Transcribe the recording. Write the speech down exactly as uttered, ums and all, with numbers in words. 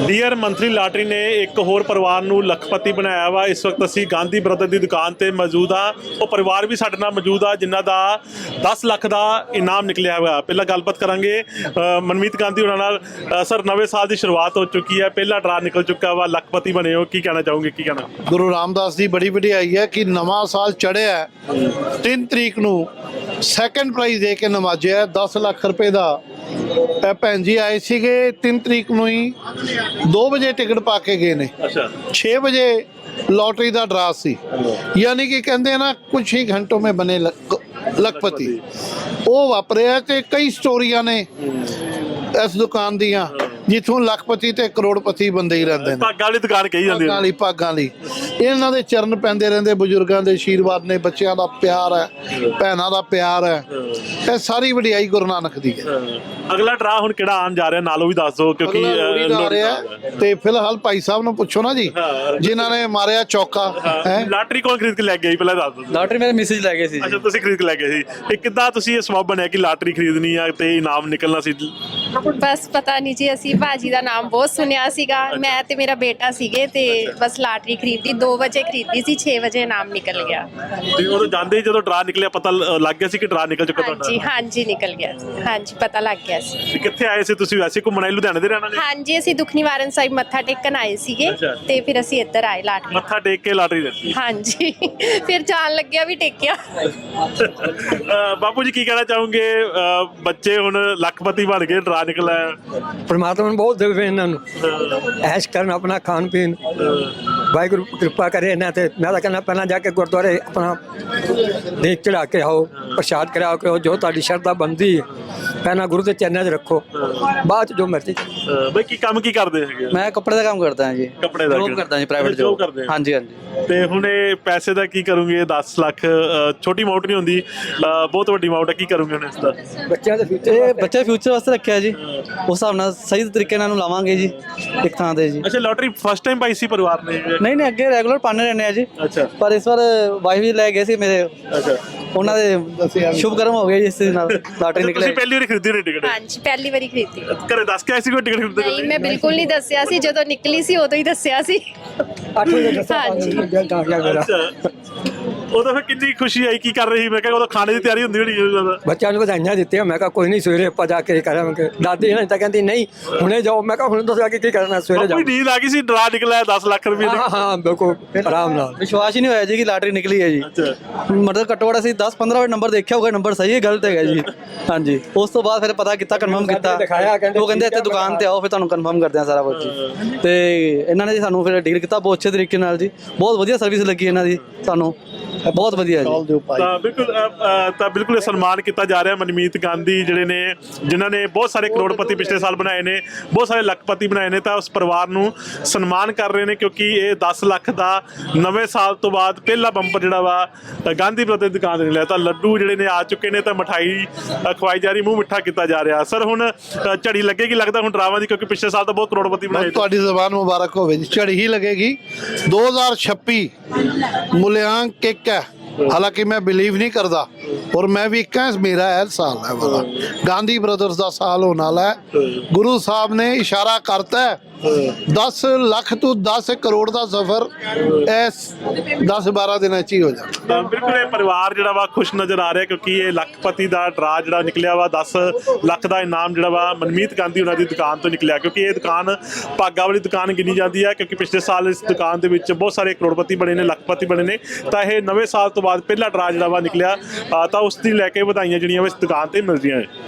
Dear monthly lottery ने एक होर परिवार ਨੂੰ ਲੱਖਪਤੀ ਬਣਾਇਆ ਵਾ। इस वक्त ਅਸੀਂ गांधी ब्रदर ਦੀ ਦੁਕਾਨ ਤੇ ਮੌਜੂਦ ਆ। ਉਹ ਪਰਿਵਾਰ ਵੀ ਸਾਡੇ ਨਾਲ ਮੌਜੂਦ ਆ ਜਿਨ੍ਹਾਂ ਦਾ दस ਲੱਖ ਦਾ ਇਨਾਮ ਨਿਕਲਿਆ ਹੋਇਆ। ਪਹਿਲਾਂ ਗੱਲਬਾਤ ਕਰਾਂਗੇ ਮਨਮੀਤ ਗਾਂਧੀ ਉਹਨਾਂ ਨਾਲ। ਸਰ, ਨਵੇਂ ਸਾਲ ਦੀ ਸ਼ੁਰੂਆਤ ਹੋ ਚੁੱਕੀ ਹੈ, ਪਹਿਲਾ ਡਰਾ ਨਿਕਲ ਚੁੱਕਾ ਵਾ, ਲੱਖਪਤੀ ਬਣੇ ਹੋ, ਕੀ ਕਹਿਣਾ ਚਾਹੋਗੇ? ਕੀ ਕਹਿਣਾ? ਗੁਰੂ ਰਾਮਦਾਸ ਦੀ ਬੜੀ ਵਡਿਆਈ ਹੈ ਕਿ ਨਵਾਂ ਸਾਲ ਚੜ੍ਹਿਆ ਤਿੰਨ ਤਰੀਕ ਨੂੰ ਸੈਕੰਡ ਪ੍ਰਾਈਜ਼ ਦੇ ਕੇ ਨਵਾਜਿਆ दस ਲੱਖ ਰੁਪਏ ਦਾ। ਇਹ ਭੈਣ ਜੀ ਆਏ ਸੀਗੇ ਤਿੰਨ ਤਰੀਕ ਨੂੰ ਹੀ दो ਵਜੇ ਟਿਕਟ ਪਾ ਕੇ ਗਏ ਨੇ। अच्छा, छः बजे लॉटरी का ड्रा सी, यानी कि कहते हैं ना कुछ ही घंटों में बने लखपति। वो वापरिया ते कई स्टोरियां ने इस दुकान दियां जिथों लखपति ते करोड़पति बंदे ही रहते हैं। ਭਾਗਾਂ ਵਾਲੀ ਦੁਕਾਨ ਕਹੀ ਜਾਂਦੀ ਭਾਗਾਂ ਵਾਲੀ ਭਾਗਾਂ ਲਈ ਇਹਨਾਂ ਦੇ ਚਰਨ ਪੈਂਦੇ ਰਹਿੰਦੇ, ਬਜ਼ੁਰਗਾਂ ਦੇ ਆਸ਼ੀਰਵਾਦ ਨੇ, ਬੱਚਿਆਂ ਦਾ ਪਿਆਰ ਹੈ, ਭੈਣਾਂ ਦਾ ਪਿਆਰ ਹੈ। ਇਹ ਸਾਰੀ ਵਡਿਆਈ ਗੁਰੂ ਨਾਨਕ ਦੀ ਹੈ। ਅਗਲਾ ਡਰਾ ਹੁਣ ਕਿਹੜਾ ਆਉਣ ਜਾ ਰਿਹਾ, ਨਾਲ ਉਹ ਵੀ ਦੱਸ ਦਿਓ ਕਿਉਂਕਿ ਲੋਹੜੀ ਦਾ ਆ ਰਿਹਾ। ਤੇ ਫਿਲਹਾਲ ਭਾਈ ਸਾਹਿਬ ਨੂੰ ਪੁੱਛੋ ਨਾ ਜੀ ਜਿਨ੍ਹਾਂ ਨੇ ਮਾਰਿਆ ਚੌਕਾ ਹੈ। ਲਾਟਰੀ ਕੌਣ ਖਰੀਦ ਕੇ ਲੈ ਗਿਆ ਜੀ, ਪਹਿਲਾਂ ਦੱਸ ਦਿਓ। ਲਾਟਰੀ ਮੇਰੇ ਮੈਸੇਜ ਲੈ ਗਏ ਸੀ। ਅੱਛਾ, ਤੁਸੀਂ ਖਰੀਦ ਕੇ ਲੈ ਗਏ ਸੀ। ਇਹ ਕਿੱਦਾਂ ਤੁਸੀਂ ਇਹ ਸਬਬ ਬਣਿਆ ਕਿ ਲਾਟਰੀ ਖਰੀਦਣੀ ਆ ਤੇ ਇਨਾਮ ਨਿਕਲਣਾ ਸੀ? ਬਸ ਪਤਾ ਨਹੀਂ ਜੀ, ਅਸੀਂ ਭਾਜੀ ਦਾ ਨਾਮ ਬਹੁਤ ਸੁਣਿਆ ਸੀਗਾ। ਮੈਂ ਤੇ ਮੇਰਾ ਬੇਟਾ ਸੀਗੇ ਤੇ ਬਸ ਲਾਟਰੀ ਖਰੀਦੀ। दो ਵਜੇ ਖਰੀਦੀ ਸੀ, छह ਵਜੇ ਨਾਮ ਨਿਕਲ ਗਿਆ। ਤੇ ਉਦੋਂ ਜਾਂਦੇ ਹੀ ਜਦੋਂ ਡਰਾ ਨਿਕਲਿਆ ਪਤਾ ਲ- ਲੱਗ ਗਿਆ ਸੀ ਕਿ ਡਰਾ ਨਿਕਲ ਚੁੱਕਾ ਤੁਹਾਡਾ? ਹਾਂਜੀ ਹਾਂਜੀ ਨਿਕਲ ਗਿਆ ਸੀ। ਹਾਂਜੀ ਪਤਾ ਲੱਗ ਗਿਆ ਸੀ। ਤੇ ਕਿੱਥੇ ਆਏ ਸੀ ਤੁਸੀਂ? ਵੈਸੇ ਘੁੰਮਣ ਆਏ, ਲੁਧਿਆਣੇ ਦੇ ਰਹਿਣ ਵਾਲੇ? ਹਾਂਜੀ ਅਸੀਂ ਦੁੱਖ ਨਿਵਾਰਨ ਸਾਹਿਬ ਮੱਥਾ ਟੇਕਣ ਆਏ ਸੀਗੇ ਅੱਛਾ। ਤੇ ਫਿਰ ਅਸੀਂ ਇੱਧਰ ਆਏ ਲਾਟਰੀ। ਮੱਥਾ ਟੇਕ ਕੇ ਲਾਟਰੀ ਲੈਤੀ। ਹਾਂਜੀ ਫਿਰ ਜਾਣ ਲੱਗਿਆ ਵੀ ਟੇਕਿਆ। ਅਹ ਬਾਪੂ ਜੀ ਕੀ ਕਹਿਣਾ ਚਾਹੋਗੇ? ਅਹ ਬੱਚੇ ਹੁਣ ਲੱਖਪਤੀ ਬਣ ਗਏ, ਡਰਾ ਨਿਕਲਿਆ। परमात्मा ने बहुत देवे इन्हों ऐश करन अपना खान पीन वाहिगुरू कृपा करे इन्हों ते। मैं तो कहना पहला जाके गुरुद्वारे अपना देख चढ़ा के आओ, प्रसाद कराओ करो, जो तुहाडी शरधा बनती है पहला गुरु के चरणों च रखो, बाद च जो मर्जी। ਅਹ ਬਈ ਕੀ ਕੰਮ ਕੀ ਕਰਦੇ ਹੈਗੇ? मैं कपड़े का काम करता हाँ जी। ਕੱਪੜੇ ਦਾ जॉब करता जी, प्राइवेट ਜੋਬ जॉब। ਕਰਦੇ? हाँ जी हाँ जी। ਤੇ ਹੁਣ ਇਹ ਪੈਸੇ ਦਾ ਕੀ ਕਰੋਗੇ? दस ਲੱਖ ਅਹ ਛੋਟੀ ਅਮਾਉਂਟ ਨਹੀਂ ਹੁੰਦੀ, ਅਹ ਬਹੁਤ ਵੱਡੀ ਅਮਾਉਂਟ ਹੈ। ਕੀ ਕਰੋਗੇ ਹੁਣ ਇਸ ਦਾ? ਬੱਚਿਆਂ ਦੇ ਫਿਊਚਰ ਬੱਚੇ ਫਿਊਚਰ ਵਾਸਤੇ ਰੱਖਿਆ ਜੀ। ਉਸ ਹਿਸਾਬ ਨਾਲ ਸਹੀ ਤਰੀਕੇ ਨਾਲ ਨੂੰ ਲਾਵਾਂਗੇ ਜੀ ਇੱਕ ਥਾਂ ਤੇ ਜੀ। ਅੱਛਾ, ਲਾਟਰੀ ਫਸਟ ਟਾਈਮ ਪਾਈ ਸੀ ਪਰਿਵਾਰ ਨੇ? ਨਹੀਂ ਨਹੀਂ ਅੱਗੇ ਰੈਗੂਲਰ ਪਾਣੇ ਰਹਿੰਦੇ ਆ ਜੀ। ਅੱਛਾ ਪਰ ਇਸ ਵਾਰ ਵਾਈਫ ਵੀ ਲੈ ਗਏ ਸੀ ਮੇਰੇ, ਅੱਛਾ। ਉਹਨਾਂ ਦੇ ਸ਼ੁਭ ਕਰਮ ਹੋ ਗਏ ਜੀ ਇਸ ਦੇ ਨਾਲ ਲਾਟਰੀ ਨਿਕਲੇ। ਤੁਸੀਂ ਪਹਿਲੀ ਵਾਰੀ ਖਰੀਦੀ ਨੇ ਟਿਕਟ? ਹਾਂਜੀ ਪਹਿਲੀ ਵਾਰੀ ਖਰੀਦੀ। ਘਰੇ ਦੱਸ ਕੇ ਆਏ ਸੀ ਕੋਈ ਟਿਕਟ ਖਰੀਦਦੇ? ਨਹੀਂ ਮੈਂ ਬਿਲਕੁਲ ਨਹੀਂ ਦੱਸਿਆ ਸੀ, ਜਦੋਂ ਨਿਕਲੀ ਸੀ ਉਦੋਂ ਹੀ ਦੱਸਿਆ ਸੀ। ਅੱਠ ਵਜੇ ਦੱਸਿਆ ਹਾਂਜੀ। ਤਾਂ ਗਿਆ ਮੇਰਾ। ਅੱਛਾ, ਉਦੋਂ ਫਿਰ ਕਿੰਨੀ ਖੁਸ਼ੀ ਆਈ? ਕੀ ਕਰ ਰਹੀ ਸੀ? ਮੈਂ ਕਿਹਾ ਉਦੋਂ ਖਾਣੇ ਦੀ ਤਿਆਰੀ ਹੁੰਦੀ ਹੋਣੀ ਹੈ ਜ਼ਿਆਦਾ। ਬੱਚਿਆਂ ਨੂੰ ਵਧਾਈਆਂ ਦਿੱਤੀਆਂ। ਮੈਂ ਕਿਹਾ ਕੋਈ ਨਹੀਂ ਸਵੇਰੇ ਆਪਾਂ ਜਾ ਕੇ ਕਰਾਂਗੇ। ਦਾਦੀ ਨੇ ਤਾਂ ਕਹਿੰਦੀ ਨਹੀਂ ਹੁਣੇ ਜਾਓ। ਮੈਂ ਕਿਹਾ ਹੁਣ ਦੱਸਿਆ ਕਿ ਕੀ ਕਰਨਾ, ਸਵੇਰੇ ਜਾਓ। ਕੋਈ ਨੀਂਦ ਆ ਗਈ ਸੀ, ਡਰਾ ਨਿਕਲਿਆ ਦਸ ਲੱਖ ਰੁਪਏ ਹਾਂ ਹਾਂ ਬਿਲਕੁਲ ਆਰਾਮ ਨਾਲ। ਵਿਸ਼ਵਾਸ ਹੀ ਨਹੀਂ ਹੋਇਆ ਜੀ ਕਿ ਲਾਟਰੀ ਨਿਕਲੀ ਹੈ ਜੀ। ਅੱਛਾ। ਮਤਲਬ ਘੱਟੋ ਘੱਟ ਅਸੀਂ दस पंद्रह ਵਾਰ ਨੰਬਰ ਦੇਖਿਆ ਹੋਗਾ, ਨੰਬਰ ਸਹੀ ਹੈ ਗਲਤ ਹੈਗਾ ਜੀ। ਹਾਂਜੀ, ਉਸ ਤੋਂ ਬਾਅਦ ਫਿਰ ਪਤਾ ਕੀਤਾ, ਕਨਫਰਮ ਕੀਤਾ। ਉਹ ਕਹਿੰਦੇ ਇੱਥੇ ਦੁਕਾਨ ਤੇ ਆਓ, ਫਿਰ ਤੁਹਾਨੂੰ ਕਨਫਰਮ ਕਰਦੇ ਆ ਸਾਰਾ ਕੁਝ ਜੀ। ਤੇ ਇਹਨਾਂ ਨੇ ਜੀ ਸਾਨੂੰ ਫਿਰ ਡੀਲ ਕੀਤਾ ਬਹੁਤ ਅੱਛੇ ਤਰੀਕੇ ਨਾਲ ਜੀ। ਬਹੁਤ ਵਧੀਆ ਸਰਵਿਸ ਲੱਗੀ ਇਹਨਾਂ ਦੀ ਸਾਨੂੰ, ਬਹੁਤ ਵਧੀਆ ਜੀ। ਤਾਂ ਬਿਲਕੁਲ ਅ, ਅ, ਤਾਂ ਬਿਲਕੁਲ ਇਹ ਸਨਮਾਨ ਕੀਤਾ ਜਾ ਰਿਹਾ ਮਨਮੀਤ ਗਾਂਧੀ ਜਿਹੜੇ ਨੇ, ਜਿਨ੍ਹਾਂ ਨੇ ਬਹੁਤ ਸਾਰੇ ਕਰੋੜਪਤੀ ਪਿਛਲੇ ਸਾਲ ਬਣਾਏ ਨੇ, ਬਹੁਤ ਸਾਰੇ ਲੱਖਪਤੀ ਬਣਾਏ ਨੇ। ਤਾਂ ਉਸ ਪਰਿਵਾਰ ਨੂੰ ਸਨਮਾਨ ਕਰ ਰਹੇ ਨੇ ਕਿਉਂਕਿ ਇਹ दस ਲੱਖ ਦਾ ਨਵੇਂ ਸਾਲ ਤੋਂ ਬਾਅਦ ਪਹਿਲਾ ਬੰਪਰ ਜਿਹੜਾ ਵਾ ਗਾਂਧੀ ਬ੍ਰਦਰ ਦੀ ਦੁਕਾਨ ਤੇ ਮਿਲਿਆ। ਤਾਂ ਲੱਡੂ ਜਿਹੜੇ ਨੇ ਆ ਚੁੱਕੇ ਨੇ, ਤਾਂ ਮਠਾਈ ਖਵਾਈ ਜਾ ਰਹੀ, ਮੂੰਹ ਮਿੱਠਾ ਕੀਤਾ ਜਾ ਰਿਹਾ। ਸਰ ਹੁਣ ਅ, ਝੜੀ ਲੱਗੇਗੀ ਲੱਗਦਾ ਹੁਣ ਡਰਾਵਾਂ ਦੀ, ਕਿਉਂਕਿ ਪਿਛਲੇ ਸਾਲ ਤਾਂ ਬਹੁਤ ਕਰੋੜਪਤੀ ਬਣਾਏ। ਤੁਹਾਡੀ ਜ਼ਬਾਨ ਮੁਬਾਰਕ ਹੋਵੇ ਜੀ। ਝੜੀ ਹੀ लगेगी। दो हज़ार छब्बीस मूल्यांक एक है, हालांकि मैं बिलीव नहीं करता और मैं भी कह मेरा है साल है वाला गांधी ब्रदर्स का साल होने वाला है। गुरु साहब ने इशारा करता है दस ਲੱਖ ਤੋਂ दस ਕਰੋੜ ਦਾ ਸਫ਼ਰ ਇਸ दस बारह ਦਿਨਾਂ 'ਚ ਹੀ ਹੋ ਜਾਣਾ। ਤਾਂ ਬਿਲਕੁਲ ਇਹ ਪਰਿਵਾਰ ਜਿਹੜਾ ਵਾ ਖੁਸ਼ ਨਜ਼ਰ ਆ ਰਿਹਾ ਕਿਉਂਕਿ ਇਹ ਲੱਖਪਤੀ ਦਾ ਡਰਾ ਜਿਹੜਾ ਨਿਕਲਿਆ ਵਾ। दस ਲੱਖ ਦਾ ਇਨਾਮ ਜਿਹੜਾ ਵਾ ਮਨਮੀਤ ਗਾਂਧੀ ਉਹਨਾਂ ਦੀ ਦੁਕਾਨ ਤੋਂ ਨਿਕਲਿਆ, ਕਿਉਂਕਿ ਇਹ ਦੁਕਾਨ ਭਾਗਾਂ ਵਾਲੀ ਦੁਕਾਨ ਗਿਣੀ ਜਾਂਦੀ ਹੈ ਕਿਉਂਕਿ ਪਿਛਲੇ ਸਾਲ ਇਸ ਦੁਕਾਨ ਦੇ ਵਿੱਚ ਬਹੁਤ ਸਾਰੇ ਕਰੋੜਪਤੀ ਬਣੇ ਨੇ, ਲੱਖਪਤੀ ਬਣੇ ਨੇ। ਤਾਂ ਇਹ ਨਵੇਂ ਸਾਲ ਤੋਂ ਬਾਅਦ ਪਹਿਲਾ ਡਰਾ ਜਿਹੜਾ ਵਾ ਨਿਕਲਿਆ, ਤਾਂ ਉਸ ਦੀ ਲੈ ਕੇ ਵਧਾਈਆਂ ਜਿਹੜੀਆਂ ਇਸ ਦੁਕਾਨ ਤੇ ਮਿਲ ਰਹੀਆਂ ਹੈ।